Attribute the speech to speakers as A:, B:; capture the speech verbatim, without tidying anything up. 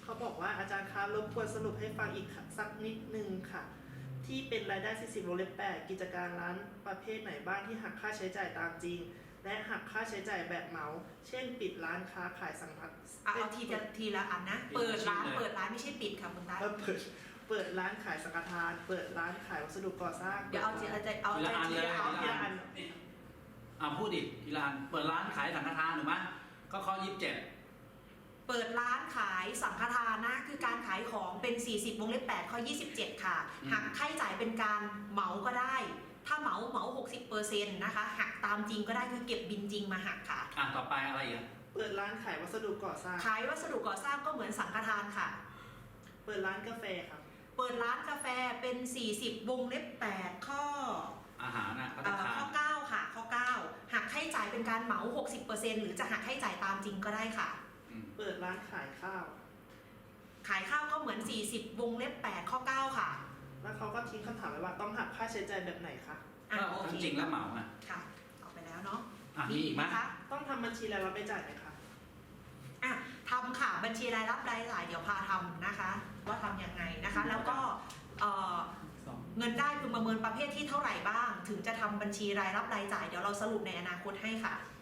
A: เขาบอกว่าอาจารย์คะรบกวนสรุปให้ฟังอีกสักนิดนึงค่ะที่เป็นรายได้ สี่สิบ วงเล็บ แปด กิจการร้านประเภทไหนบ้างที่หักค่าใช้จ่ายตามจริงและหักค่าใช้จ่ายแบบเหมาเช่นปิดร้านค้าขายสังฆทาน
B: เอาทีละทีละอันนะเปิดร้านเปิดร้านไม่ใช่ปิดค่ะคุณตา
A: เปิดเปิดร้านขายสังฆทานเปิดร้านขายวัสดุก่อสร้าง
B: เดี๋ยวเอาทีเอาใจเอา
C: ที
B: ใจ
C: ละอัน
B: ที
C: เลย
B: ละ
C: ที
B: อัน
C: ละอันอ่าพูดดิทีละอันเปิดร้านขายสังฆทานถูกไหมก็ข้อยี่สิบเจ็ด
B: เปิดร้านขายสังฆทานนะคือการขายของเป็นสี่สิบวงเล็บแปดข้อยี่สิบเจ็ดค่ะหักค่าใช้จ่ายเป็นการเหมาก็ได้ถ้าเหมาเหมา หกสิบเปอร์เซ็นต์ นะคะหักตามจริงก็ได้คือเก็บบินจริงมาหักค่ะ
C: อ่ะต่อไปอะไรอีก
A: เปิดร้านขายวัสดุก่อสร้าง
B: ขายวัสดุก่อสร้างก็เหมือนสังฆทานค่ะ
A: เปิดร้านกาแฟครับ
B: เปิดร้านกาแฟเป็นสี่สิบวงเล็บแปดข้อ
C: อาหารนะพัต
B: เอ่อ
C: ตาคาร
B: ข้อเก้าค่ะข้อเก้าหักค่าใช้จ่ายเป็นการเหมา หกสิบเปอร์เซ็นต์ หรือจะหักค่าใช้จ่ายตามจริงก็ได้ค่ะ
C: อืม
A: เปิดร้านขายข้าว
B: ขายข้าวก็เหมือนสี่สิบวงเล็บแปดข้อเก้าค่ะ
A: แล้วเขาก็ทิ้งคำถามไว้ว่าต้องหักค่าใช้จ่ายแบบไหนคะ
B: อ่ะ
C: ก็
B: โอ
C: ทั้
B: เค
C: งจริงและเหมาอ่ะ
B: ค่ะเอาไปแล้วเนาะ
C: อ่ะมีอีกไหม
B: คะ
A: ต้องทำบัญชีรายรับรายจ่ายไหมคะ
B: อ่ะทำค่ะบัญชีรายรับรายจ่ายเดี๋ยวพาทำนะคะ ว่าทำยังไงนะคะ แล้วก็เอ่อเงินได้พึงประเมินประเภทที่เท่าไหร่บ้าง ถึงจะทำบัญชีรายรับรายจ่ายเดี๋ยวเราสรุปในอนาคตให้ค่ะ